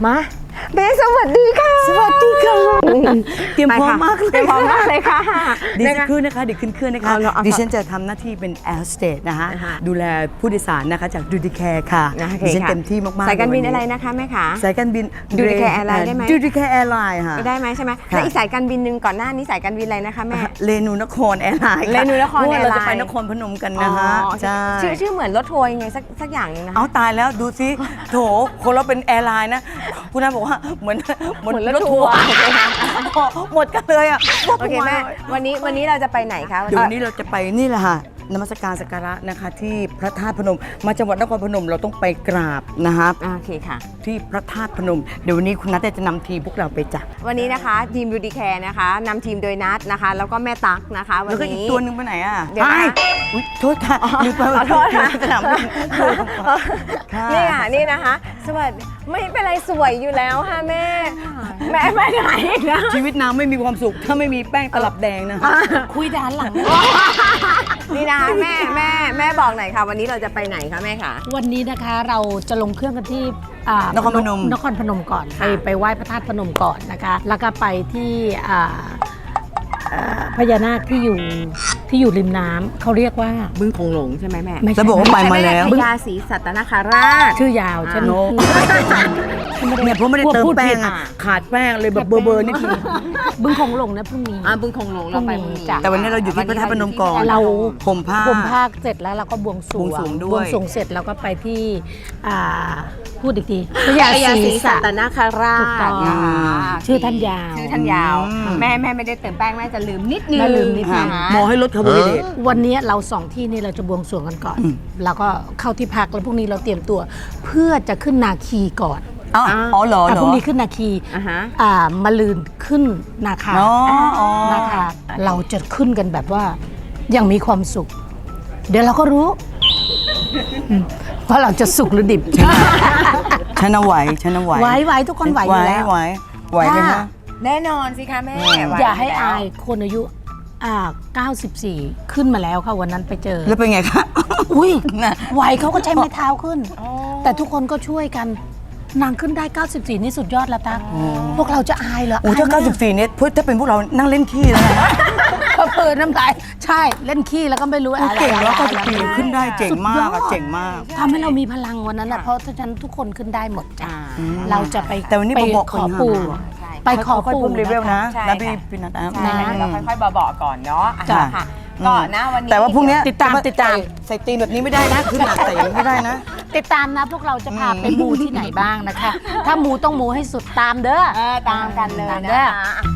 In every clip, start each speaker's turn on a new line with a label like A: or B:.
A: มาเบสสวัสดีค่ะ
B: สวัสดีค่ะเตรียมพร้อมมากเลย
A: เตรียมพร้อมมากเลยค่ะ
B: ดิฉันขึ้นนะคะดิฉันดิฉันจะทำหน้าที่เป็นแอร์โฮสเตสนะคะดูแลผู้โดยสารนะคะจากดูดิแคร์ค่ะดิฉันเต็มที่มากๆ
A: สายการบินอะไรนะคะแม่คะ
B: สายการบิน
A: ดูดิแคร์แอร์ไลน์ได้ไหม
B: ดูดิแคร์แอร์ไลน์ค่ะ
A: ได้ไหมใช่ไหมแล้วอีกสายการบินหนึ่งก่อนหน้านี้สายการบินอะไรนะคะแม่
B: เรนูนครแอร์ไลน์
A: เรนูนครแอร์ไลน์
B: เราจะไปนครพนมกันนะคะใช่
A: ชื่อเหมือนรถทัวร์ยังไงสักอย่างนึงนะ
B: เอาตายแล้วดูซิโถคนเราเป็นแอร์ไลน์นะคุณน้าบอกว่าเหมือนรถทัวร์หมดกันเลยอ่ะ
A: โอเคแม่วันนี้เราจะไปไหนคะ
B: เดี๋ยววันนี้เราจะไปนี่แหละค่ะนมัสการสักการะนะคะที่พระธาตุพนมมาจังหวัดนครพนมเราต้องไปกราบนะครับ
A: โอเคค่ะ
B: ที่พระธาตุพนมเดี๋ยววันนี้คุณนัทจะนำทีมพวกเราไปจัด
A: วันนี้นะคะทีมดูดีแคร์นะคะนำทีมโดยนัทนะคะแล้วก็แม่ตั๊กนะคะวันนี้
B: แล้วก็อีกตัวนึงไปไหนอ่ะ
A: เดี๋ยวนะ
B: โทษค่ะลืมไป
A: ขอโทษค่ะ
B: สนามบิน
A: นี่นะคะสวัสดีไม่เป็นไรสวยอยู่แล้วค่ะแม่ไปไหนนะ
B: ชีวิตนางไม่มีความสุขถ้าไม่มีแป้งตลับแดงนะ
A: คุยด้านหลังนี่นะคะแม่บอกหน่อยค่ะวันนี้เราจะไปไหนคะแม่คะ
C: วันนี้นะคะเราจะลงเครื่องกันที่
B: นครพนม
C: ก่อนไปไหว้พระธาตุพนมก่อนนะคะแล้วก็ไปที่พญานาคที่อยู่ริมน้ำเขาเรียกว่า
A: บึงคงหลงใช่ไหมแม่
B: แล้วบอกว่าไปมาแล้ว
A: พญาศรีสัตนคราช
C: ชื่อยาวใช่ไหม
B: เนี่ยเพราะไม่ได้เติมแป้งขาดแป้งเลยแบบเบอร์นี่คือ
C: บึงคงหลงนะพรุ่งนี้
A: บึงคงหลงเราไปพรุ่งนี้
B: แต่วันนี้เราอยู่ที่พระธาตุพนมก่อน
C: เรา
B: ห่มผ้า
C: เสร็จแล้วเราก็บวงสรวง
B: ด้วย
C: บวงสรวงเสร็จแล้วก็ไปที่พูดอีกทีพญาศรีสัตนคราชชื่อท่านยาว
A: แม่ไม่ได้เติมแป้งแม่จะลืมนิดนึง
B: หมอให้ลดคาร์โบไฮเดรต
C: วันนี้เรา2ที่นี่เราจะบวงสรวงกันก่อนแล้วก็เข้าที่พักแล้วพรุ่งนี้เราเตรียมตัวเพื่อจะขึ้นนาคีก่อน
B: อ๋อเหรอ
C: พรุ่งนี้ขึ้นนาคีมะรืนขึ้นนาคานะคะเราจะขึ้นกันแบบว่ายังมีความสุขเดี๋ยวเราก็รู้ว่าเราจะสุขหรือดิบ
B: ฉันเอาไหว
C: ไหวทุกคนไหวอยู่แล้ว
B: ไหวไหมคะ
A: แน่นอนสิคะแม่
C: อย่าให้อายคนอายุ94ขึ้นมาแล้วค่ะวันนั้นไปเจอ
B: แล้วเป็นไงคะ
C: อุ้ยไหวเขาก็ใช้ไม้เท้าขึ้นแต่ทุกคนก็ช่วยกันนางขึ้นได้94นี่สุดยอดแล้วตาพวกเราจะอายเหรอ
B: โอ้ถ้า94เนี่ยถ้าเป็นพวกเรานั่งเล่นขี้แล้วนะ
C: เปิดน้ำลายใช่เล่นขี้แล้วก็ไม่รู้อะไร
B: เก่งแล้ว94ขึ้นได้เจ๋งมากเจ๋งมาก
C: ทำให้เรามีพลังวันนั้นแหละเพราะฉะนั้นทุกคนขึ้นได้หมดจ้าเราจะไป
B: แต่วันนี้บอก
C: ขอปู่ไปขอปู่
B: เลเวลนะพี่นัท
A: เราค่อยๆบอกก่อนเนาะค่ะก่อนนะวันนี้
B: แต่ว่าพรุ่งนี้
C: ติดตาม
B: ใส่ตีนแบบนี้ไม่ได้นะขึ้นหนักใส่ไม่ได้นะ
C: ติดตามนะพวกเราจะพาไปมูที่ไหนบ้างนะคะถ้ามูต้องมูให้สุดตามเด้อ
A: ตามกันเลยนะคะ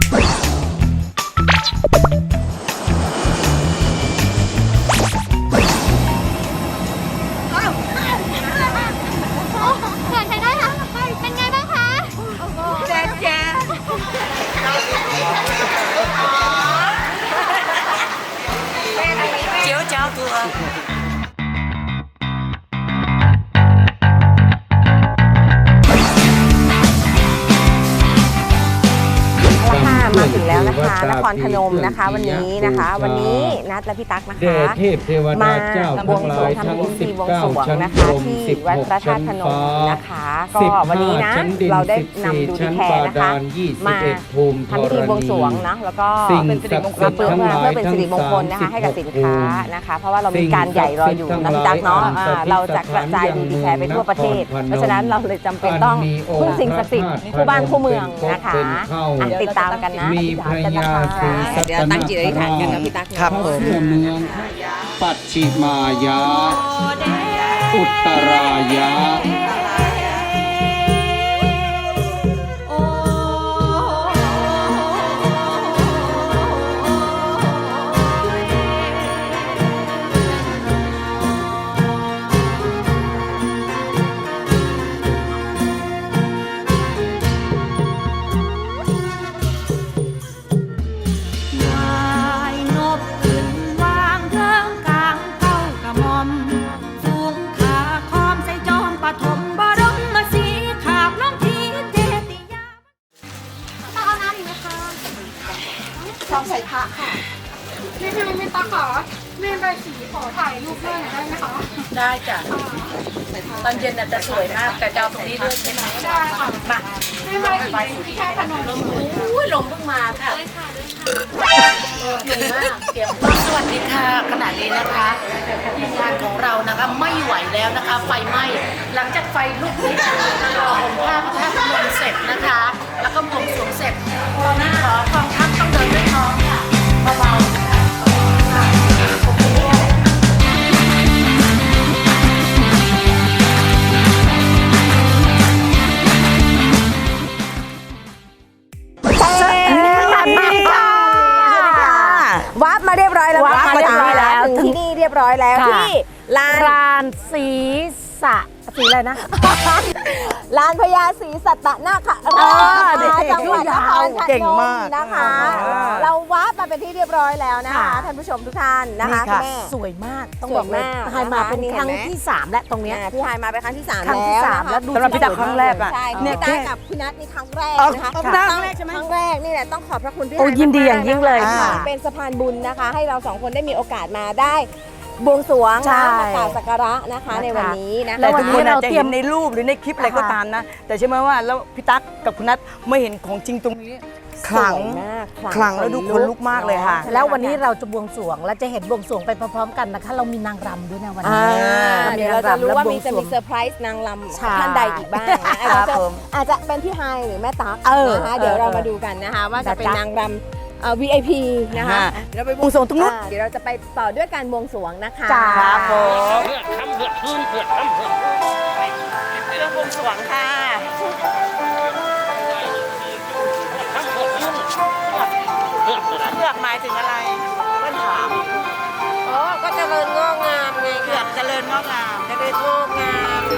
A: มาถึงแล้วนะคะนครพนมนะคะวันนี้นัดและพี่ตั๊กนะคะมาบวงสรวงทำพิธีบวงสรวงนะคะที่วัดพระธาตุพนมนะคะก็วันนี้นะเราได้นำดูดีแคร์นะคะมาทำพิธีบวงสรวงนะแล้วก็เป็นสิริมงคลเพื่อเป็นสิริมงคลนะคะให้กับสินค้านะคะเพราะว่าเรามีการใหญ่รออยู่นะพี่ตั๊กเนาะเราจะกระจายดูดีแคร์ไปทั่วประเทศเพราะฉะนั้นเราเลยจำเป็นต้องพึ่งสิ่งศักดิ์สิทธิ์คู่บ้านคู่เมืองนะคะติดตามกันนะ
D: มีพระยาศรีสัตนคราช
A: เดี๋ยวตั้งจิตอธิษฐานกันนะพี่ตั๊ก
B: ครับผม
D: เมืองปัจฉิมายะอุตรายะ
A: ซองใส่พระค่ะ
E: ไม่ตาค่ะแม่ใบสีขอถ่ายรูปด้วยหน่อยได้ไหมคะ
C: ได้จ้ะตอนเย็นน่ะจะสวยมากแต่จะเอาตรงนี้ด้วยใช่ไหม
E: ได้ค่ะ
C: มา
E: แม่ใบสีที่แค่ขนม
C: อุ้ยลมเพิ่งมาค่ะเหนื่อยมากเตรียมสวัสดีค่ะขณะนี้นะคะทีมงานของเรานะคะไม่ไหวแล้วนะคะ ไฟไหม้หลังจากไฟลุกนี้ผมผ้าพระธาตุพนมเสร็จนะคะ แล้วก็บวงสรวงเสร็จตอนนี้ขอกองทัพต้องเดินด้วยท้องค่ะเบาๆนะคะขอบคุณค่ะ
A: สวัสดีค่ะวับมาเรียบร้อยแล้ว
C: วับมาเรียบร้อยแล้ว
A: ถึงที่นี่เรียบร้อยแล้ว
C: ค่ะ
A: ที่ลาน
C: รานสีสะสีอะไรนะ
A: ลานพญาศรีสัตนาคราช
B: เด็กๆ
A: จังหวัดนครพ
B: เก่ง
A: นม
B: มาก
A: นะคะ
B: อ่า
A: เราวับมาเป็นที่เรียบร้อยแล้วนะคะ
C: ค่ะ
A: ท่านผู้ชมทุกท่านนะคะ
B: นี่ค่ะ
A: คุณแม่
C: สวยมากต้องบอกเลย
A: สวยมาก
C: ไฮมาเป็น
A: นะคะ
C: ครั้ง
A: นี่เห็นไหม
C: ที่ 3 และตรงเนี้ย
A: พี่ฮายมาเป็นครั้งที่ 3
C: ครั้งที่
A: แล้ว
C: สาม
A: นะคะ
C: แล้วดู
B: สำหรับพี่ตั๊กครั้งแรกอะ
A: ใช่
B: เนี่
A: พี่
B: ย
A: ตั๊กกับพี่นัทนี่ครั้งแรก
B: อ๋อ
A: นะคะ
B: ครั้งแรกใช่ไหม
A: ครั้งแรกนี่แหละต้องขอบพระคุณพี่
C: โอ้
A: ฮาย
C: ยินดีอย่างยิ่งเลย
A: มากๆน
C: ค่ะ
A: เป็นสะพานบุญนะคะ ให้เราสองคนได้มีโอกาสมาได้บวงสรวง
C: ใช่
A: นะมากราบสักการะนะคะในวันนี้นะ
C: แล้
B: แต่
C: ววัน
B: ทุก
C: นี้
B: คนอาจ
C: เรา
B: จะ
C: เตรีย
B: เห็
C: ม
B: นในรูปหรือในคลิปอะไรก็ตามนะ แต่ใช่ไหมว่าแล้วพี่ตั๊กกับคุณนัทไม่เห็นของจริงตรงนี้ขลัง
A: สวยมาก
B: ขลังแล้วดูขนลุกมากเลยค่ะ
C: แล้ววันนี้เราจะบวงสรวงและจะเห็นบวงสรวงไปพร้อมๆกันนะคะ เรามีนางรำด้วยนะวันนี้
A: เดี๋ยวเราจะรู้ว่ามีจะมี
C: เซ
A: เซอร์ไพรส์นางล
C: ใช่
A: ำท่านใดอีกบ้างนะ
B: ครับผม
A: อาจจะเป็นพี่ไฮหรือแม่ตั๊ก
C: เออ
A: นะคะเดี๋ยวเรามาดูกันนะคะว่าจะเป็น
C: นะจ๊ะ
A: นางรำVIP นะคะ
B: เดี๋ยวเราไปบวงสรวงตรงนู้น
A: เดี๋ยวเราจะไปต่อด้วยการบวงสรวงนะคะ
C: จ้า
B: ครับผม
D: เพื่อทำเพื่อคืนเพื่อทำเพื่อ
B: เครื่องบวงสรวงค่ะ
D: ทำเพื่อคืนเพื่ออะไร
B: เลือกหมายถึงอะไรเพื่อนถาม
A: โอ้ก็เจริญงอกงามไง
B: เลือกเจริญงอกงาม
A: เจริญงอกงาม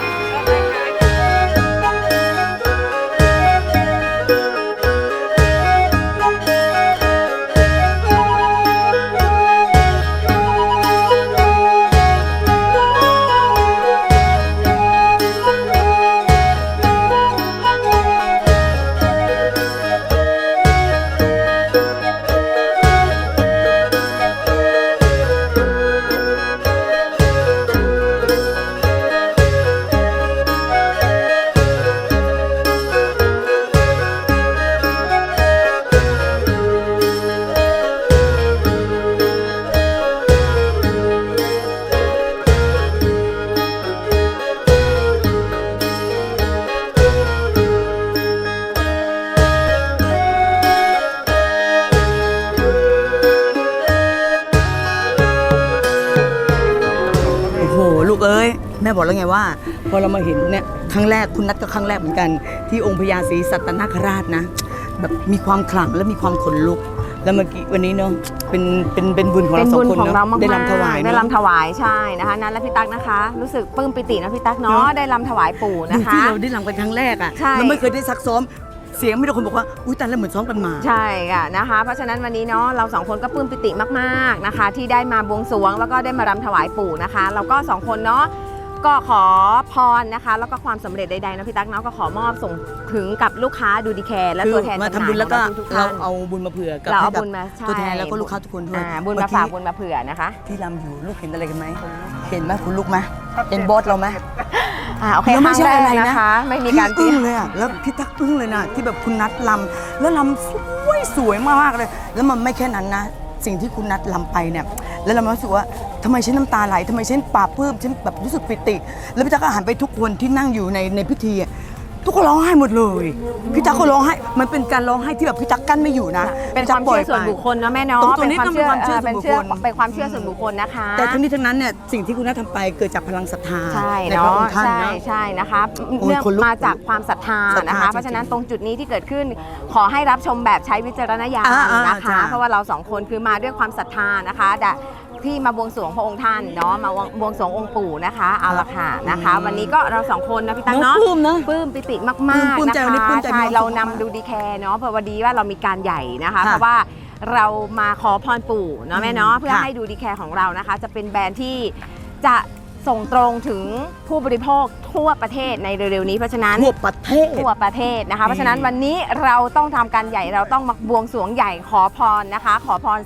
B: โอ้โหลูกเอ้ยแม่บอกแล้วไงว่าพอเรามาเห็นเนี่ยครั้งแรกคุณนัทก็ครั้งแรกเหมือนกัน ที่องค์พญาศรีสัตนคราชนะ แบบมีความขลังและมีความขนลุก แล้วเมื่อกี้วันนี้เนาะเป็นบุญของ
A: เป็
B: เรา
A: น
B: สอ
A: บุญ
B: งคน
A: ของ
B: เนาะ
A: เรามากๆ
B: ได้รำถวาย
A: ได้
B: เนาะ
A: รำถวายใช่นะคะนั้นและพี่ตั๊กนะคะ รู้สึกปลื้มปิตินะพี่ตั๊กเนาะได้รำถวายปู่
B: ดู
A: นะคะ
B: ที่เราได้รำกันครั้งแรกอ่ะ
A: ใช่
B: เราไม่เคยได้ซักซ้อมเสียงไม่ได้คนบอกว่าอุ้ยแต่ละเหมือนซ้อมกันมา
A: ใช่ค่ะนะคะ เพราะฉะนั้นวันนี้เนาะเราสองคนก็ปลื้มปิติมากๆนะคะ ที่ได้มาบวงสรวงแล้วก็ได้มารำถวายปู่นะคะ เราก็สองคนเนาะก็ขอพรนะคะ แล้วก็ความสำเร็จใดๆนะพี่ตั๊กเนาะก็ขอมอบส่งถึงกับลูกค้าดูดีแคร์และ
B: คือ
A: ตัวแทน
B: มา
A: จำห
B: ทำ
A: น่าย
B: บุญแล้วก็
A: ของทุกๆ
B: เรา
A: ท่าน
B: เอาบุญมาเผื่อกับ
A: เราเอา
B: ให้กับ
A: บุญมาใช่
B: ตัวแทนแล้วก็ลูกค้าทุกคนด้วย
A: บุญมาฝากบุญมาเผื่อนะคะ
B: ที่รำอยู่ลูกเห็นอะไรกันไหมเห็นไหมคุณลูกไหมเห็นบอสเราไหม
A: โอเค
B: แล้ว
A: ค
B: ไม่
A: รั้ง
B: ใช่
A: แรก
B: อะไรนะ
A: นะคะ ไม่มีการ
B: พี่อึ้งเลยอ่ะแล้วพี่ตั๊กอึ้งเลยนะที่แบบคุณนัทลำแล้วลำสวยมากเลย แล้วมันไม่แค่นั้นนะ สิ่งที่คุณนัทลำไปเนี่ยแล้วเรารู้สึกว่าทำไมฉันน้ำตาไหลทำไมฉันปลาบปลื้มฉันแบบรู้สึกปิติ แล้วพี่ตั๊กก็หันไปทุกคนที่นั่งอยู่ในพิธีอะทุกคนร้องไห้หมดเลยพี่ตั๊กก็ร้องไห้มันเป็นการร้องไห้ที่แบบพี่ตั๊กกั้นไม่อยู่นะ
A: เป็นความเชื่อส่วนบุคคลเนาะแม่เนาะ
B: ตรงนี้ต้องเป็นความเชื่อส่วนบุคคล
A: เป็นความเชื่อส่วนบุคคลนะคะ
B: แต่ทั้งนี้ทั้งนั้นเนี่ยสิ่งที่คุณนัททำไปเกิดจากพลังศรัทธา
A: ใช่
B: ในพระ
A: เนาะ
B: องค์ท่าน
A: ใช่
B: นะ
A: ใช่นะคะ
B: โอ้ย
A: เนื่อง
B: ขนลุก
A: มาจากความศรัทธา
B: ศรัทธา
A: นะคะ
B: จริงๆ
A: เพราะฉะนั้นตรงจุดนี้ที่เกิดขึ้นขอให้รับชมแบบใช้วิจารณญาณ
B: อ่า
A: นะคะ
B: จ้ะ
A: เพราะว่าเราสองคนคือมาด้วยความศรัทธานะคะที่มาบวงสรวงพระองค์ท่านเนาะมาบวงสรวงองค์ปู่นะคะเอาละค่ะนะคะ วันนี้ก็เราสองคนนะพี่ตั้งเนาะ
B: ปลื้มนะ
A: ปลื้มปิติมาก
B: ปลื้ม
A: ๆ
B: ใจ
A: นะ
B: วันนี้
A: คะ
B: ปลื้มใจ
A: ใช่
B: มาก
A: เรานำดูดีแคร์เนาะเพราะวันนี้ว่าเรามีการใหญ่นะคะ
B: ค่ะ
A: เพราะว่าเรามาขอพรปู่เนาะแม่เนาะเพื่อ
B: ค่ะ
A: ให้ดูดีแคร์ของเรานะคะ จะเป็นแบรนด์ที่จะส่งตรงถึงผู้บริโภคทั่วประเทศในเร็วๆนี้เพราะฉะนั้น
B: ทั่วประเทศ
A: ทั่วประเทศนะคะ เพราะฉะนั้นวันนี้เราต้องทำการใหญ่เราต้องมาบวงสรวงใหญ่ขอพรนะคะ ขอพร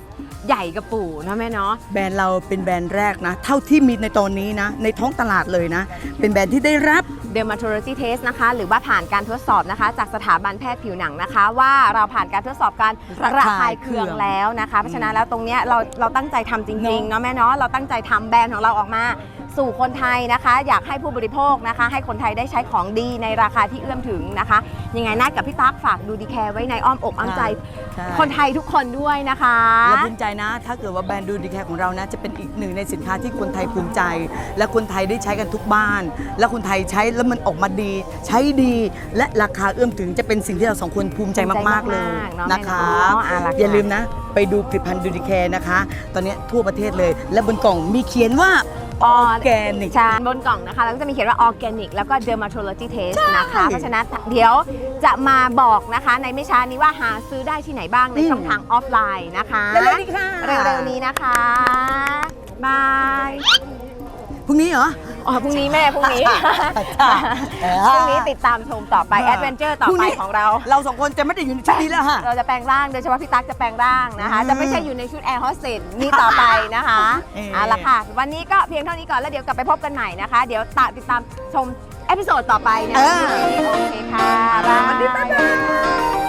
A: ใหญ่กระปู่นะแม่เนาะ
B: แบรนด์เราเป็นแบรนด์แรกนะ เท่าที่มีในตอนนี้นะ ในท้องตลาดเลยนะ เป็นแบรนด์ที่ได้รับ
A: Dermatology Test นะคะหรือว่าผ่านการทดสอบนะคะจากสถาบันแพทย์ผิวหนังนะคะ ว่าเราผ่านการทดสอบการระคายเคืองแล้วนะคะเพราะฉะนั้นแล้วตรงเนี้ยเราตั้งใจทำจริงๆเนาะแม่เนาะเราตั้งใจทำแบรนด์ของเราออกมาสู่คนไทยนะคะ อยากให้ผู้บริโภคนะคะ ให้คนไทยได้ใช้ของดีในราคาที่เอื้อมถึงนะคะยังไงนัดกับพี่ตั๊กฝากดูดีแคร์ไว้ในอ้อมอกอ้อมใจ
B: ใช่
A: คนไทยทุกคนด้วยนะคะ
B: เราภูมิใจนะ ถ้าเกิดว่าแบรนด์ดูดีแคร์ของเรานะจะเป็นอีกหนึ่งในสินค้าที่คนไทยภูมิใจ และคนไทยได้ใช้กันทุกบ้าน และคนไทยใช้แล้วมันออกมาดี ใช้ดี และราคาเอื้อมถึงจะเป็นสิ่งที่เราสองคนภูมิใจมากๆเลย
A: เนาะ
B: นะคะ
A: แม่เนาะ
B: อย่าลืมนะ ไปดูผลิตภัณฑ์ดูดีแคร์นะคะ ตอนนี้ทั่วประเทศเลย และบนกล่องมีเขียนว่าออร์แกนิก
A: ใช่บนกล่องนะคะแล้วก็จะมีเขียนว่า Organic แล้วก็ Dermatology Test นะคะ เพราะฉะนั้นเดี๋ยวจะมาบอกนะคะในไม่ช้านี้ว่าหาซื้อได้ที่ไหนบ้างในช่องทางออฟไลน์นะคะ
B: เร็วๆนี้ค่ะ
A: เร็วๆนี้นะคะบาย
B: พรุ่งนี้เหรอ
A: อ๋อพรุ่งนี้แม่พรุ่งนี้ พรุ่งนี้ติดตามชมต่อไปแอดเวนเจอร์ต่อไปของเรา
B: เราสองคนจะไม่ได้อยู่ในชุดนี้แล้วค่ะ
A: เราจะแปลงร่างโดยเฉพาะพี่ตั๊กจะแปลงร่างนะคะ จะไม่ใช่อยู่ในชุดแอร์โฮสเตสนี่ต่อไปนะคะ เอาละค่ะ วันนี้ก็เพียงเท่านี้ก่อนแล้วเดี๋ยวกลับไปพบกันใหม่นะคะ เดี๋ยวติดตามชมเอพิโซดต่อไปนะคะโอเคค่ะ
B: สวัสดีบ๊ายบาย